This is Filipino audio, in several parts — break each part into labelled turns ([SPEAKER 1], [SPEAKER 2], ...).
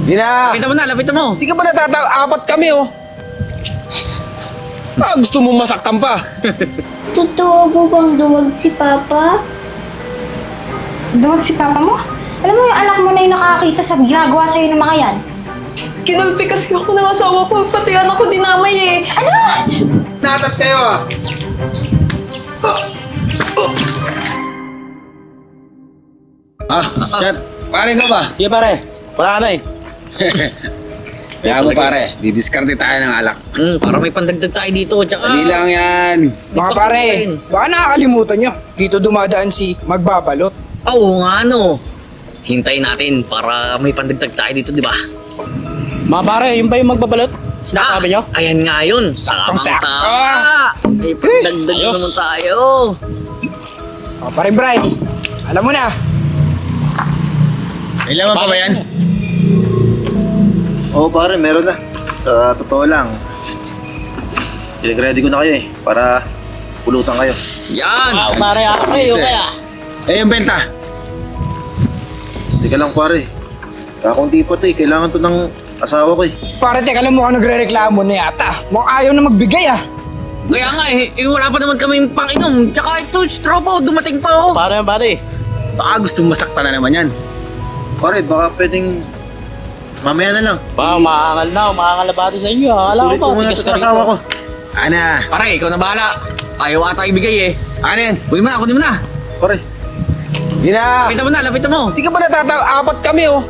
[SPEAKER 1] Hindi na!
[SPEAKER 2] Lapitan mo na, lapitan mo!
[SPEAKER 1] Hindi ka ba apat kami, oh? Gusto mo masaktan pa?
[SPEAKER 3] Totoo po bang duwag si Papa?
[SPEAKER 4] Duwag si Papa mo? Alam mo yung anak mo na yung nakakita sa ginagawa sa'yo ng mga yan?
[SPEAKER 5] Kinulpi kasi ako ng asawa ko, pati anak ko dinamay eh.
[SPEAKER 4] Ano?
[SPEAKER 1] Natat kayo, ah! Chat. Pare ka ba?
[SPEAKER 6] Sige pare, wala na eh.
[SPEAKER 1] Kaya mo pare, didiskarte tayo ng alak.
[SPEAKER 2] Para may pandagdag tayo dito, tsaka...
[SPEAKER 1] Dali lang yan.
[SPEAKER 7] Mga pare, baka nakakalimutan nyo. Dito dumadaan si Magbabalot.
[SPEAKER 2] Oo nga, no. Hintayin natin para may pandagdag tayo dito, di ba?
[SPEAKER 6] Mga pare, yung ba yung magbabalot? Sinasabi nyo?
[SPEAKER 2] Ayan nga yun.
[SPEAKER 7] Saktong-sakto.
[SPEAKER 2] Tama. May pandagdag
[SPEAKER 6] Ayos.
[SPEAKER 2] naman tayo.
[SPEAKER 7] O pare Bray, alam mo na.
[SPEAKER 1] May laman pa ba yan?
[SPEAKER 8] Oo pare, meron na. Sa totoo lang, ready ko na kayo eh, para pulutan kayo.
[SPEAKER 2] Yan.
[SPEAKER 6] Pare, okay, okay ah.
[SPEAKER 1] Yung benta.
[SPEAKER 8] Teka lang pare, kakunti pa to eh, kailangan to ng asawa ko eh.
[SPEAKER 7] Pare, teka lang mukhang nagre-reklamo na yata. Mukhang ayaw na magbigay ah.
[SPEAKER 2] Kaya nga wala pa naman kami pang-inom. Tsaka ito, straw pa, dumating pa oh.
[SPEAKER 6] Pare, pare.
[SPEAKER 1] Baka gusto masaktan na naman yan.
[SPEAKER 8] Pare, baka pwedeng mamaya na lang.
[SPEAKER 6] Baka umaangal na bati sa inyo. Akala
[SPEAKER 8] Sulit ko muna to sa asawa ko.
[SPEAKER 1] Ana.
[SPEAKER 2] Pare, ikaw na bahala. Ayaw ata ibigay eh.
[SPEAKER 1] Ano yan?
[SPEAKER 2] Kunin mo na, kunin mo na.
[SPEAKER 8] Pare,
[SPEAKER 1] Hindi na!
[SPEAKER 2] Lapitan mo na, lapitan mo.
[SPEAKER 1] Hindi ka ba apat kami, oh?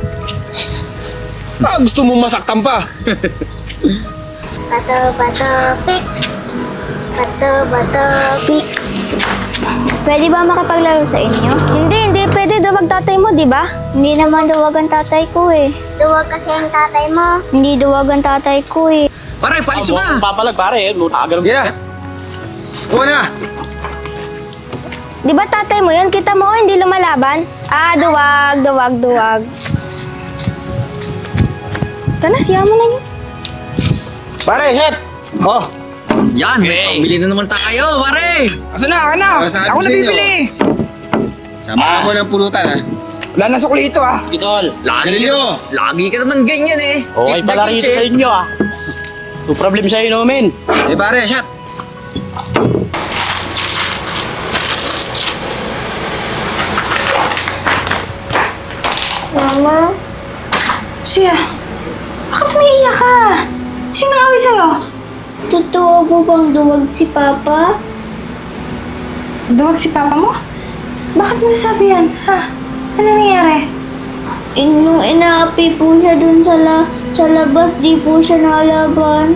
[SPEAKER 1] Gusto mo masaktan pa?
[SPEAKER 3] Bato, bato, pik. Bato, bato, pik. Pwede ba makipaglaro sa inyo? Hindi pwede. Duwag tatay mo, di ba? Hindi naman duwag ang tatay ko eh. Duwag kasi ang tatay mo. Hindi duwag ang tatay ko eh.
[SPEAKER 2] Pare, palis mo na.
[SPEAKER 6] Papalag pare, agaram.
[SPEAKER 1] Hindi na! Kuha na!
[SPEAKER 3] Di ba tatay mo yun? Kita mo, hindi lumalaban? Duwag. Ito na, hiya mo na yun.
[SPEAKER 1] Pare, shot! Oh!
[SPEAKER 2] Yan, may pambili na naman tayo, pare.
[SPEAKER 7] Asa na, ano?
[SPEAKER 1] Sabi
[SPEAKER 7] Ako
[SPEAKER 1] sa
[SPEAKER 7] na
[SPEAKER 1] inyo.
[SPEAKER 7] bibili.
[SPEAKER 1] Samahan mo ng pulutan, ha?
[SPEAKER 7] Wala na sukli ito ah.
[SPEAKER 6] Kitol.
[SPEAKER 2] Lagi ka naman ganyan eh.
[SPEAKER 6] Okay pala rito sa inyo ah. No problem sa inumin.
[SPEAKER 1] Pare, shot!
[SPEAKER 3] Mama?
[SPEAKER 4] Siya, bakit umiiyak ka? Sino nakawin sa'yo?
[SPEAKER 3] Totoo po bang duwag si Papa?
[SPEAKER 4] Duwag si Papa mo? Bakit mo nasabi yan? Ha? Ano nangyari?
[SPEAKER 3] Nung inaapi po siya dun sa labas, di po siya nalaban.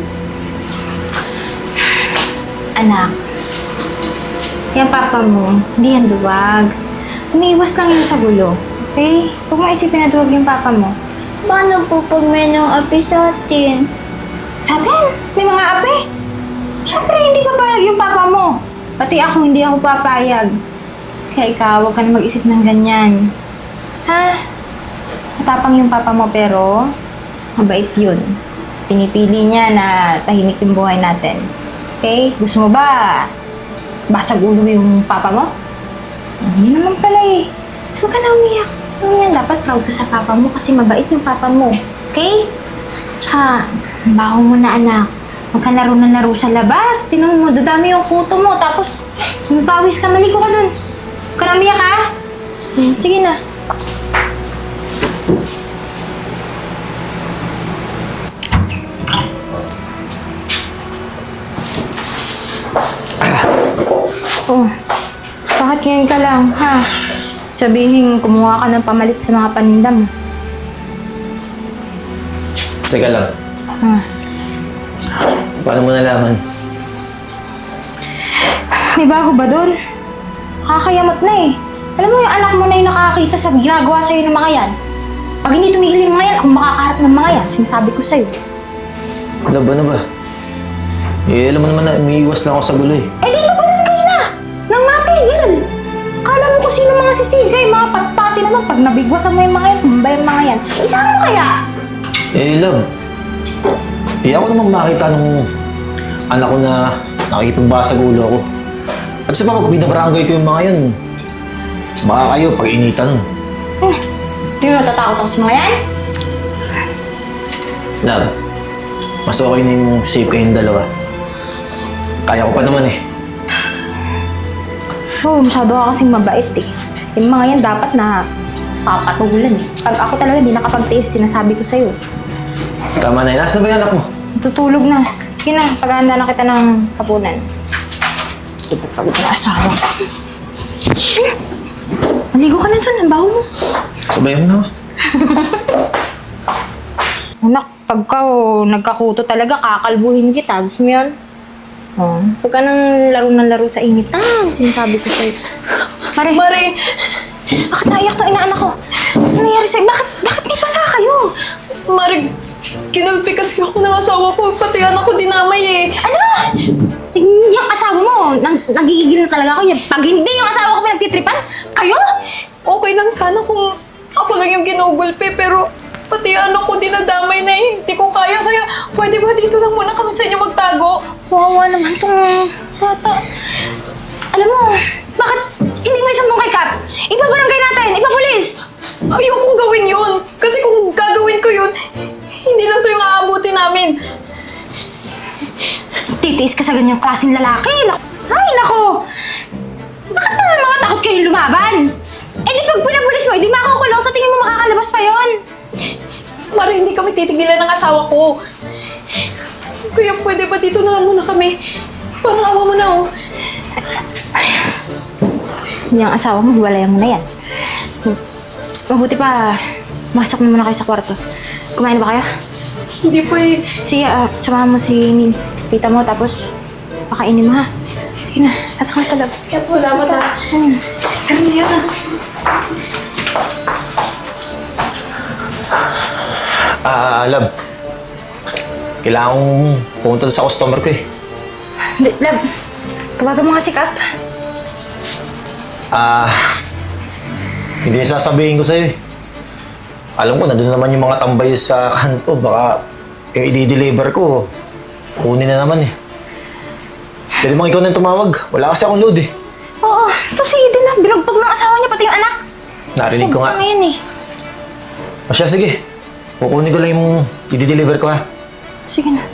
[SPEAKER 4] Anak, yung Papa mo, hindi yan duwag. Umiiwas lang yan sa gulo. Okay? Huwag mo isipin na duwag yung Papa mo.
[SPEAKER 3] Paano po pag may nang api sa atin?
[SPEAKER 4] Sa atin, may mga ape. Siyempre, hindi papayag yung Papa mo. Pati ako, hindi ako papayag. Kaya ikaw, huwag ka na mag-isip ng ganyan. Ha? Matapang yung Papa mo, pero mabait yun. Pinipili niya na tahimik yung buhay natin. Okay? Gusto mo ba basag ulo yung Papa mo? Hindi naman pala eh. So, huwag ka na umiyak. Ano yan, dapat proud ka sa Papa mo kasi mabait yung Papa mo. Okay? Tsaka, baho mo na anak. Huwag ka laro na laro sa labas. Tinan mo, dadami yung kuto mo. Tapos, pawis ka, maligo ka dun. Huwag ka na umiyak ha? Sige na. Oh, bakit ngayon ka lang, ha? Sabihin, kumuha ka ng pamalit sa mga paninda mo.
[SPEAKER 8] Teka lang,
[SPEAKER 4] Ha?
[SPEAKER 8] paano mo nalaman?
[SPEAKER 4] May bago ba doon? Kakayamot na eh. Alam mo yung anak mo na yung nakakita sa ginagawa sa'yo ng mga yan. Pag hindi tumigil yung mga yan, ako makakaharap ng mga yan. Sinasabi ko sa'yo.
[SPEAKER 8] Labo na ba? Alam mo naman na umiiwas lang ako sa gulo eh.
[SPEAKER 4] Eh, di labanan kayo na! Nang matigil! Kala mo kung sino mga sisigay, mga patpati naman. Pag nabigwasan mo yung mga yan, kumbay yung mga yan. Isa mo kaya?
[SPEAKER 8] Love. Ako naman makita nung anak ko na nakikitang ba sa gulo ako. At sa pag binabarangay ko yung mga yan, baka kayo pag-initan nun.
[SPEAKER 4] Di mo natatakot ako sa mga yan?
[SPEAKER 8] Love, mas okay na yung safe kayong dalawa. Kaya ko pa naman eh.
[SPEAKER 4] Oo, masyado ka kasing mabait eh. Yung mga yan dapat na papatulan eh. Pag ako talaga di nakapagtiis, sinasabi ko sa'yo.
[SPEAKER 8] Tama na yun. Nasaan ba yung anak mo?
[SPEAKER 4] Tutulog na. Sige na, paghahanda na kita ng hapunan. Pagod na asawa. Maligo ka na dun, ang baho mo.
[SPEAKER 8] Sabayan mo na ako.
[SPEAKER 4] Anak, pagka nagkakuto talaga, kakalbuhin kita. Gusto mo yun? Oh, huwag ka nang laro ng laro sa init. Sinasabi ko sa'yo. Mare,
[SPEAKER 5] Mare,
[SPEAKER 4] bakit naiyak to inaanak ko? Ano nangyari sa'yo? Bakit may pasa kayo?
[SPEAKER 5] Mare, kinulpi kasi ako ng asawa ko. Pati anak ko dinamay eh.
[SPEAKER 4] Ano? Yung asawa mo, nagigigil na talaga ako niya. Pag hindi yung asawa ko pinagtitripan, kayo?
[SPEAKER 5] Okay lang sana kung ako lang yung ginugulpi, pero pati anak ko dinadamay na eh. Hindi ko kaya, kaya pwede ba dito lang muna kami sa inyo magtago?
[SPEAKER 4] Wawa naman tong bata. Alam mo, bakit hindi mo isang kay Kap? Ipabarangay natin, ipapulis.
[SPEAKER 5] Ayokong gawin yun. Kasi kung gagawin ko yun, hindi lang to yung aabuti namin.
[SPEAKER 4] Titiis ka sa ganyang klaseng lalaki. Ay, nako! Bakit naman mga takot kayong lumaban? Eh di pag pinapulis mo, di makakulong. Sa tingin mo makakalabas pa yon.
[SPEAKER 5] Mara, hindi kami titigilan ng asawa ko. Kaya pwede ba dito na lang muna kami? Parang awa mo na oh.
[SPEAKER 4] Yung asawa mo, hiwalayan mo na yan. Mabuti pa, masok na muna kayo sa kwarto. Kumain ba kayo?
[SPEAKER 5] Hindi po eh.
[SPEAKER 4] Sige, samahan mo si tita mo, tapos pakainin mo ha. Sige na, pasok na sa loob.
[SPEAKER 5] Salamat ha.
[SPEAKER 4] Karamihan na.
[SPEAKER 8] Love. Kailangan kong pumunta sa customer ko eh.
[SPEAKER 4] Lab, tawagan mo nga si Kap.
[SPEAKER 8] Hindi sasabihin ko sa'yo eh. Alam ko, nandun naman yung mga tambay sa kanto. Baka i-deliver ko. Kunin na naman eh. Pwede bang ikaw na yung tumawag? Wala kasi akong load eh.
[SPEAKER 4] Oo, ito sige din na. Binugbog ng asawa niya, pati yung anak.
[SPEAKER 8] Narinig ko nga.
[SPEAKER 4] Sobrang ngayon eh.
[SPEAKER 8] O siya, sige. Kukunin ko lang yung i-deliver ko ha.
[SPEAKER 4] Sige na.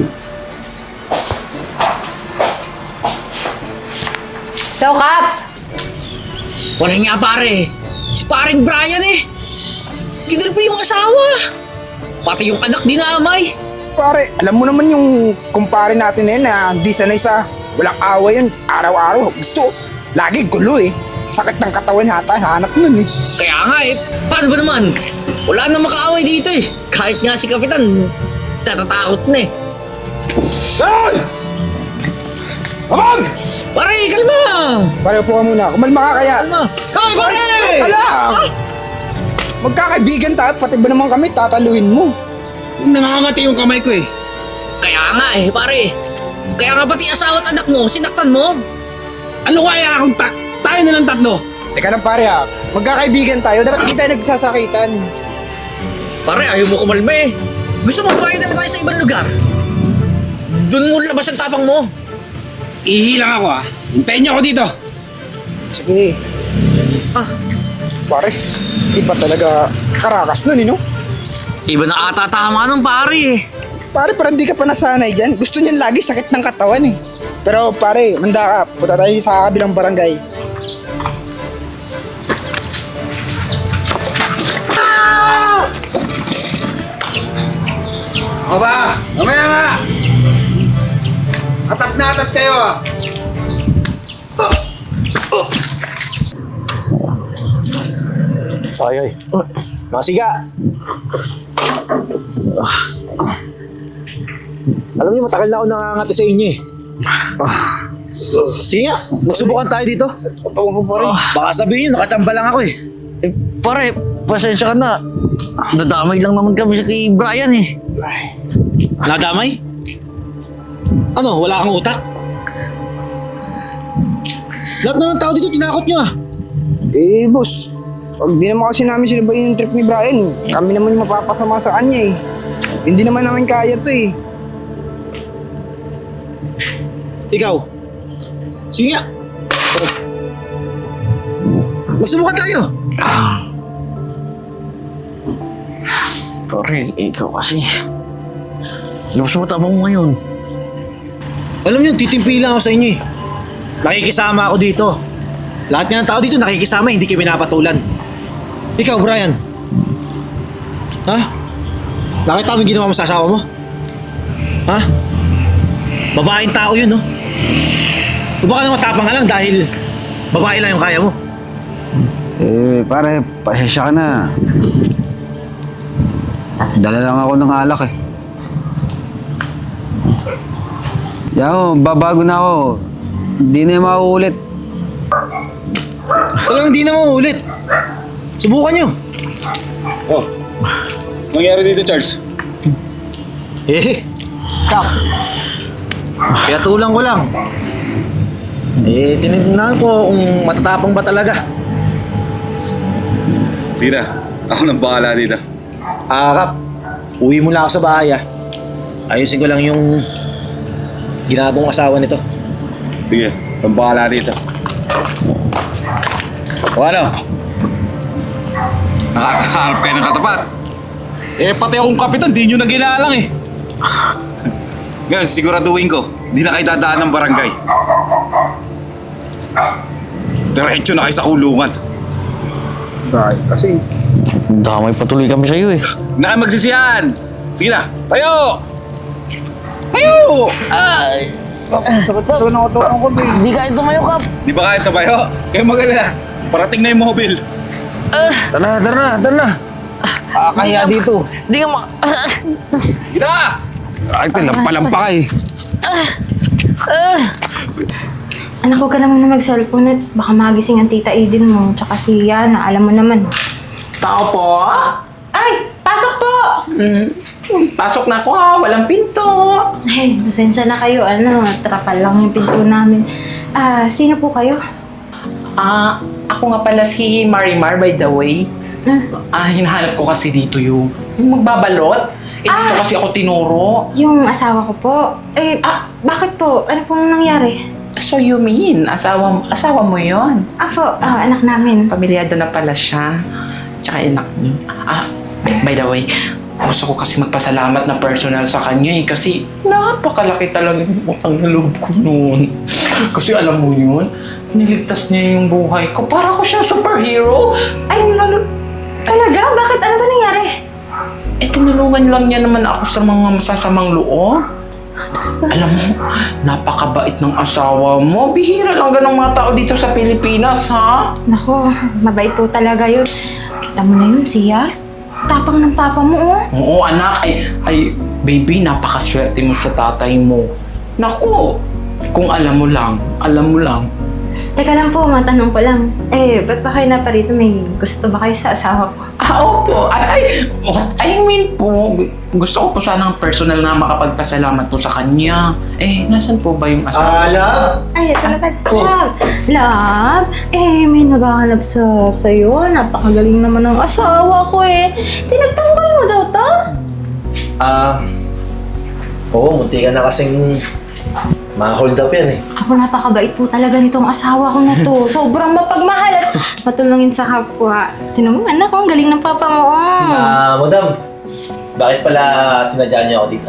[SPEAKER 4] So, Kap!
[SPEAKER 2] Wala nga pare. Si paring Brian eh. Kinulpi yung asawa. Pati yung anak dinamay.
[SPEAKER 7] Pare, alam mo naman yung kumpare natin na yun na di sanay sa walang away yun. Araw-araw. Gusto, lagi gulo eh. Sakit ng katawan hata, hanap nun eh.
[SPEAKER 2] Kaya nga eh, paano ba naman? Wala na makaaway dito eh. Kahit nga si Kapitan, natatakot na eh.
[SPEAKER 7] Ay! Abang!
[SPEAKER 2] Pare, kalma!
[SPEAKER 7] Pare, upo ka muna. Kumalma ka kaya.
[SPEAKER 2] Kalma! Hoy, pare!
[SPEAKER 7] Alam! Magkakaibigan tayo, pati ba naman kami, tataluin mo.
[SPEAKER 1] Nangangati yung kamay ko eh.
[SPEAKER 2] Kaya nga eh, pare. Kaya nga pati asawa at anak mo, sinaktan mo.
[SPEAKER 1] Ano kaya akong tayo na lang tatlo?
[SPEAKER 7] Teka lang pare ha, magkakaibigan tayo, dapat hindi tayo nagsasakitan.
[SPEAKER 2] Pare, ayaw mo kumalma eh. Gusto mo bayad na lang tayo sa ibang lugar? Doon mo labas ang tapang mo.
[SPEAKER 1] Ihilang ako Hintayin niyo ako dito.
[SPEAKER 7] Sige. Pare, di ba talaga karakas nun, no?
[SPEAKER 2] Iba na ata tama nung pare eh.
[SPEAKER 7] Pare, parang di ka pa nasanay dyan. Gusto niyan lagi sakit ng katawan eh. Pero pare, manda ka. Punta tayo sa kabilang barangay.
[SPEAKER 1] Ako ba? Mamaya nga! Atat na atat kayo
[SPEAKER 8] Ay. Masiga! Alam niyo, matagal na ako nakangati sa inyo eh. Sige nga, magsubukan tayo dito. Baka sabihin nyo, nakachamba lang ako eh.
[SPEAKER 2] Eh, pare, pasensya ka na. Nadamay lang naman kami sa kay Brian eh.
[SPEAKER 8] Nadamay? Ano, wala kang utak? Lahat na ng tao dito, tinakot nyo ah.
[SPEAKER 7] Eh, boss. Hindi naman kasi namin sinabayin yung trip ni Brian. Kami naman yung mapapasama sa kanya eh. Hindi naman namin kaya to eh.
[SPEAKER 8] Ikaw? Sige nga. Magsubukan tayo.
[SPEAKER 2] Pare, ikaw kasi.
[SPEAKER 6] Labas mo tapang mo ngayon.
[SPEAKER 8] Alam niyo, titimpi lang ako sa inyo eh. Nakikisama ako dito. Lahat nga ng tao dito nakikisama, hindi kayo pinapatulan. Ikaw, Brian. Ha? Nakita mo yung ginawa mo sa asawa mo? Ha? Babaeng tao yun, no? O baka naman matapang ka lang dahil babae lang yung kaya mo.
[SPEAKER 1] Pare, pasensya ka na. Dala lang ako ng alak eh. Yaw, babago na ako. Hindi na yung mauulit.
[SPEAKER 8] Talagang hindi na mauulit. Subukan nyo.
[SPEAKER 1] Oh, nangyari dito, Charles?
[SPEAKER 8] Kap. Kaya tulang ko lang. Tinignan ko kung matatapang ba talaga.
[SPEAKER 1] Sige na, ako nang bahala dito.
[SPEAKER 8] Kap. Uwi mo lang ako sa bahay Ayusin ko lang yung ginagawang asawa nito.
[SPEAKER 1] Sige, nang bahala dito. O ano? Nakakaharap kayo ng katapat. Pati akong kapitan, di nyo na ginalang eh. Ngayon, siguraduhin ko, di na kayo dadaan ng barangay. Diretso na kayo sa kulungan.
[SPEAKER 7] Right, kasi
[SPEAKER 6] Damay patuloy kami sa'yo eh.
[SPEAKER 1] Na kayo magsisiyan! Sige na, tayo! Tayo!
[SPEAKER 7] sakit na ako ko, babe.
[SPEAKER 6] Hindi ka ito mayo, Kap.
[SPEAKER 1] Di ba kaya tabayo? Kayo mag-alala. Parating na yung mobile.
[SPEAKER 6] Tara na.
[SPEAKER 7] Kaya dito.
[SPEAKER 6] Hindi ka
[SPEAKER 1] Sige na!
[SPEAKER 7] Ay, lampalampa ka eh.
[SPEAKER 4] Anak, huwag ka naman na mag-cellphone at baka magising ang tita Aiden mo, tsaka si Yana, alam mo naman.
[SPEAKER 5] Tao po?
[SPEAKER 4] Ay! Pasok po!
[SPEAKER 5] Pasok na ako ha, walang pinto.
[SPEAKER 4] Ay, pasensya na kayo, trapal lang yung pinto namin. Sino po kayo?
[SPEAKER 5] Ako nga pala si Marimar, by the way. Hinahanap ko kasi dito yung magbabalot. Dito kasi ako tinuro.
[SPEAKER 4] Yung asawa ko po. Bakit po? Ano pong nangyari?
[SPEAKER 5] So you mean, asawa mo yon?
[SPEAKER 4] Ako, anak namin.
[SPEAKER 5] Pamilyado na pala siya. Tsaka anak niyo. By the way, gusto ko kasi magpasalamat na personal sa kanya kasi napakalaki talaga yung utang na loob ko noon. Kasi alam mo yun, niligtas niya yung buhay ko. Para ko siyang superhero.
[SPEAKER 4] Ay, talaga? Bakit? Ano ba nangyari?
[SPEAKER 5] Tinulungan lang niya naman ako sa mga masasamang loob. Alam mo, napakabait ng asawa mo. Bihira lang ganong mga tao dito sa Pilipinas, ha?
[SPEAKER 4] Nako, mabait po talaga yun. Kita mo na yun, siya. Tapang ng papa mo, oh.
[SPEAKER 5] Oo, anak. Ay, baby, napakaswerte mo sa tatay mo. Naku, kung alam mo lang.
[SPEAKER 4] Teka lang po, matanong ko lang. Ba't ba kayo naparito? May gusto ba kayo sa asawa ko?
[SPEAKER 5] Opo. I mean po, gusto ko po sanang personal na makapagpasalamat po sa kanya. Nasan po ba yung asawa?
[SPEAKER 8] Love?
[SPEAKER 4] Ay, ito na ba? Love! Love? May naghahanap sa'yo. Napakagaling naman ng asawa ko Tinagtanggol mo daw to?
[SPEAKER 8] Oo, munti ka na kasing ma-hold up yan
[SPEAKER 4] Ako napakabait po talaga nitong asawa ko na to. Sobrang mapagmahal at matulungin sa kapwa. Tinan mo, anak, ang galing ng papa mo.
[SPEAKER 8] Madam, bakit pala sinadya niyo ako dito?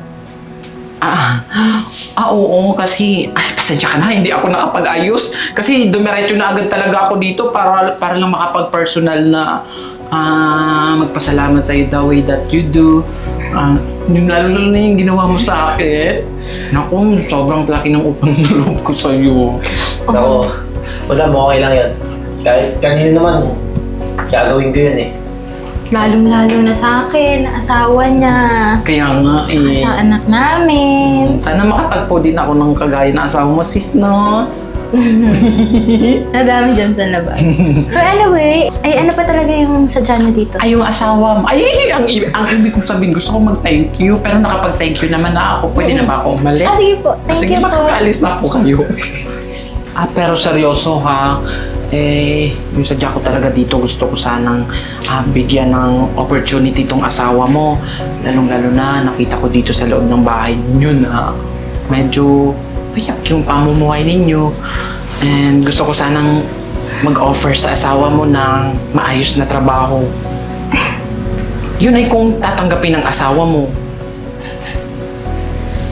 [SPEAKER 5] Oo, kasi pasensya ka na, hindi ako nakapag-ayos. Kasi dumiretso na agad talaga ako dito para lang makapag-personal na magpasalamat sa'yo the way that you do. Lalo na yung ginawa mo sa akin. Naku, sobrang laki ng upang na loob ko sa'yo.
[SPEAKER 8] Ako, madam, okay lang yan. Kahit kanino naman, gagawin ko yun
[SPEAKER 4] Lalong-lalo na sa akin, asawa niya.
[SPEAKER 5] Kaya nga
[SPEAKER 4] Sa anak namin.
[SPEAKER 5] sana makatagpo din ako ng kagaya na asawa mo, sis, no?
[SPEAKER 4] Nadami dyan sa labas. But anyway, ano pa talaga yung sadya niyo dito?
[SPEAKER 5] Yung asawa mo. Ang ibig kong sabihin, gusto ko mag-thank you, pero nakapag-thank you naman na ako. Pwede na ba ako umalis?
[SPEAKER 4] Sige po. Thank you po.
[SPEAKER 5] Mag-alis na po kayo. Pero seryoso ha, yung sadya ko talaga dito, gusto ko sanang bigyan ng opportunity tong asawa mo. Lalong-lalo na, nakita ko dito sa loob ng bahay niyo na medyo payak yung pamumuhay ninyo. And gusto ko sanang mag-offer sa asawa mo ng maayos na trabaho. Yun ay kung tatanggapin ng asawa mo.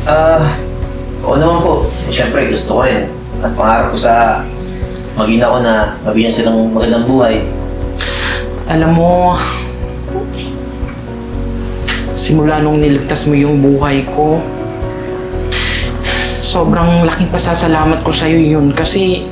[SPEAKER 8] Oo naman po. Siyempre, gusto ko rin. At pangarap ko sa magina ko na mabigyan silang magandang buhay.
[SPEAKER 5] Alam mo, simula nung niligtas mo yung buhay ko, sobrang laking pasasalamat ko sa'yo yun kasi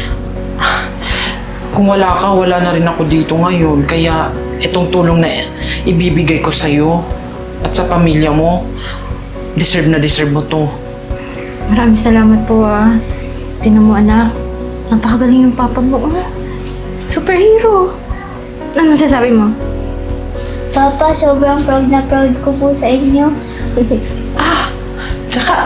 [SPEAKER 5] kung wala ka, wala na rin ako dito ngayon. Kaya itong tulong na ibibigay ko sa'yo at sa pamilya mo, deserve na deserve mo to.
[SPEAKER 4] Maraming salamat po Tingnan mo anak, napakagaling ng papa mo Superhero. Ano masasabi mo?
[SPEAKER 3] Papa, sobrang proud na proud ko po sa inyo.
[SPEAKER 5] Tsaka,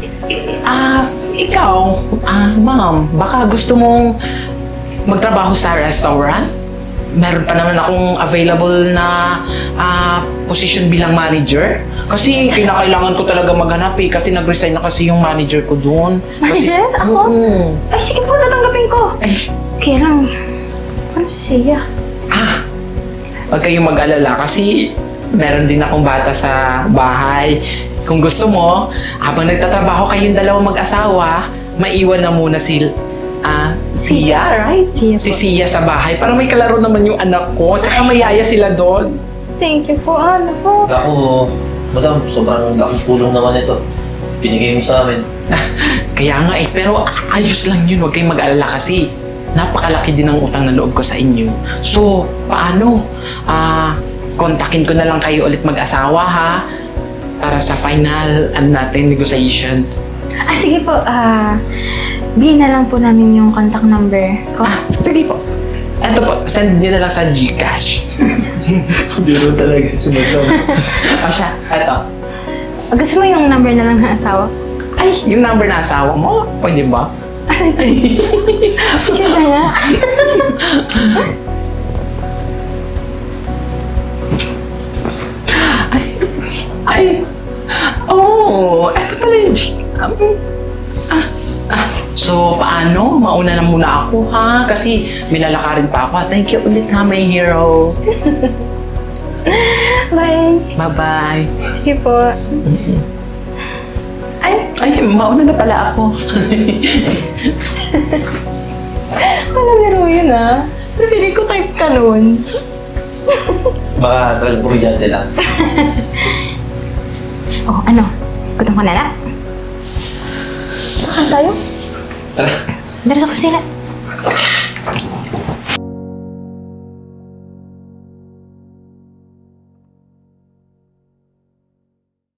[SPEAKER 5] ikaw, ma'am, baka gusto mong magtrabaho sa restaurant? Meron pa naman akong available na position bilang manager. Kasi kinakailangan ko talaga maghanap kasi nag-resign na kasi yung manager ko doon.
[SPEAKER 4] Manager? Ako?
[SPEAKER 5] Oo.
[SPEAKER 4] Ay, sige po, tatanggapin ko.
[SPEAKER 5] Ay,
[SPEAKER 4] Kaya lang, ano si Sia?
[SPEAKER 5] huwag kayong mag-alala kasi meron din akong bata sa bahay. Kung gusto mo, habang nagtatrabaho kayong dalawang mag-asawa, maiwan na muna Sia, right?
[SPEAKER 4] Sia po.
[SPEAKER 5] Si Sia sa bahay para may kalaro naman yung anak ko. Tsaka mayaya sila doon.
[SPEAKER 4] Thank you po, ano po.
[SPEAKER 8] Ako, madam, sobrang laking tulong naman ito. Binigay mo sa amin.
[SPEAKER 5] Kaya nga pero ayos lang yun. Huwag kayong mag-alala kasi napakalaki din ang utang na loob ko sa inyo. So, paano? Kontakin ko na lang kayo ulit mag-asawa, ha? Para sa final natin negotiation.
[SPEAKER 4] Sige po, bigyan na lang po namin yung contact number ko.
[SPEAKER 5] Sige po. Eto po, send niyo na lang sa GCash.
[SPEAKER 8] Hindi mo talaga sumunod.
[SPEAKER 5] Siya, eto.
[SPEAKER 4] Gusto mo yung number na lang ng asawa?
[SPEAKER 5] Ay, yung number na asawa mo, pwede ba?
[SPEAKER 4] Sige na nga.
[SPEAKER 5] Eto pala yung So, paano? Mauna na muna ako, ha? Kasi may lalakarin pa ako. Thank you ulit, ha, my hero.
[SPEAKER 4] Bye.
[SPEAKER 5] Bye-bye.
[SPEAKER 4] Sige po.
[SPEAKER 5] Ay, mauna na pala ako.
[SPEAKER 4] Wala biro yun Pero feeling ko type ka nun.
[SPEAKER 8] Baka talagang pumidyante lang.
[SPEAKER 4] Ano? Gutom ka na na? Saan tayo?
[SPEAKER 8] Tara.
[SPEAKER 4] Dara sa kusina.